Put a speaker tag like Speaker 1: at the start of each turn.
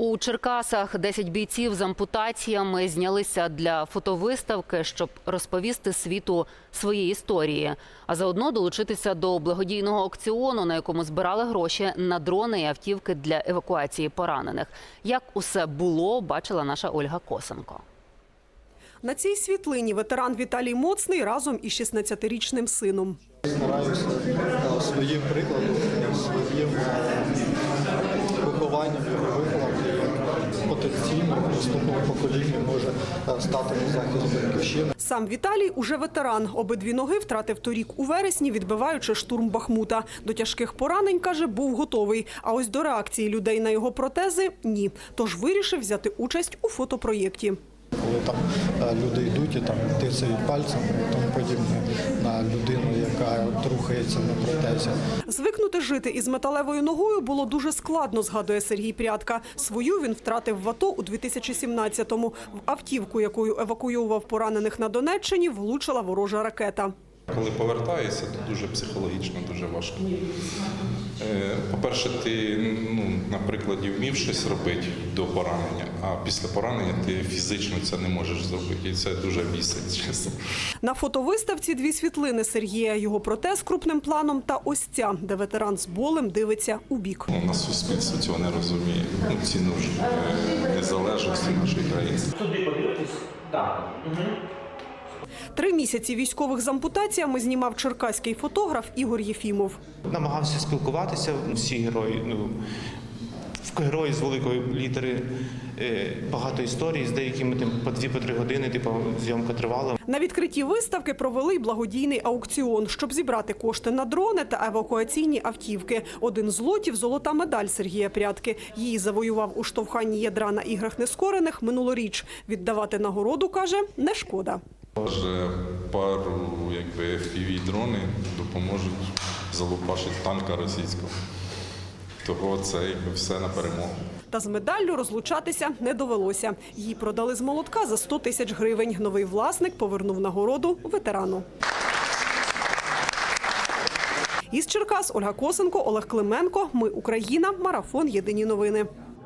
Speaker 1: У Черкасах 10 бійців з ампутаціями знялися для фотовиставки, щоб розповісти світу свої історії, а заодно долучитися до благодійного аукціону, на якому збирали гроші на дрони і автівки для евакуації поранених. Як усе було, бачила наша Ольга Косенко.
Speaker 2: На цій світлині ветеран Віталій Моцний разом із 16-річним сином.
Speaker 3: Стараюся своїм прикладом, своїм вихованням його виховати, як потенційно в наступному поколінні може стати на захист батьківщини.
Speaker 2: Сам Віталій уже ветеран. Обидві ноги втратив торік у вересні, відбиваючи штурм Бахмута. До тяжких поранень, каже, був готовий. А ось до реакції людей на його протези – ні. Тож вирішив взяти участь у фотопроєкті.
Speaker 3: Коли там люди йдуть і там тицяють пальцем і тому подібне на людину, яка рухається на протезі.
Speaker 2: Звикнути жити із металевою ногою було дуже складно, згадує Сергій Прядка. Свою він втратив в АТО у 2017-му. В автівку, якою евакуював поранених на Донеччині, влучила ворожа ракета.
Speaker 4: Коли повертаєшся, то дуже психологічно, дуже важко. По-перше, ти, на прикладі, вмів щось робити до поранення, а після поранення ти фізично це не можеш зробити. І це дуже бісить, чесно.
Speaker 2: На фотовиставці дві світлини Сергія, його протез крупним планом та ось ця, де ветеран з болем дивиться у бік.
Speaker 4: У нас суспільство цього не розуміє. Ціну ж незалежності нашої країни.
Speaker 5: Туди подивитись? Так.
Speaker 2: 3 місяці військових з ампутаціями знімав черкаський фотограф Ігор Єфімов.
Speaker 6: Намагався спілкуватися, всі герої, герої з великої літери, багато історій, з деякими по 2-3 години, зйомка тривала.
Speaker 2: На відкритті виставки провели й благодійний аукціон, щоб зібрати кошти на дрони та евакуаційні автівки. 1 з лотів – золота медаль Сергія Прядки. Її завоював у штовханні ядра на іграх нескорених минулоріч. Віддавати нагороду, каже, не шкода.
Speaker 4: Вже пару FPV-дрони допоможуть залупашити танка російського. Того це все на перемогу.
Speaker 2: Та з медаллю розлучатися не довелося. Її продали з молотка за 100 тисяч гривень. Новий власник повернув нагороду ветерану. Із Черкас Ольга Косенко, Олег Клименко. Ми Україна. Марафон. Єдині новини.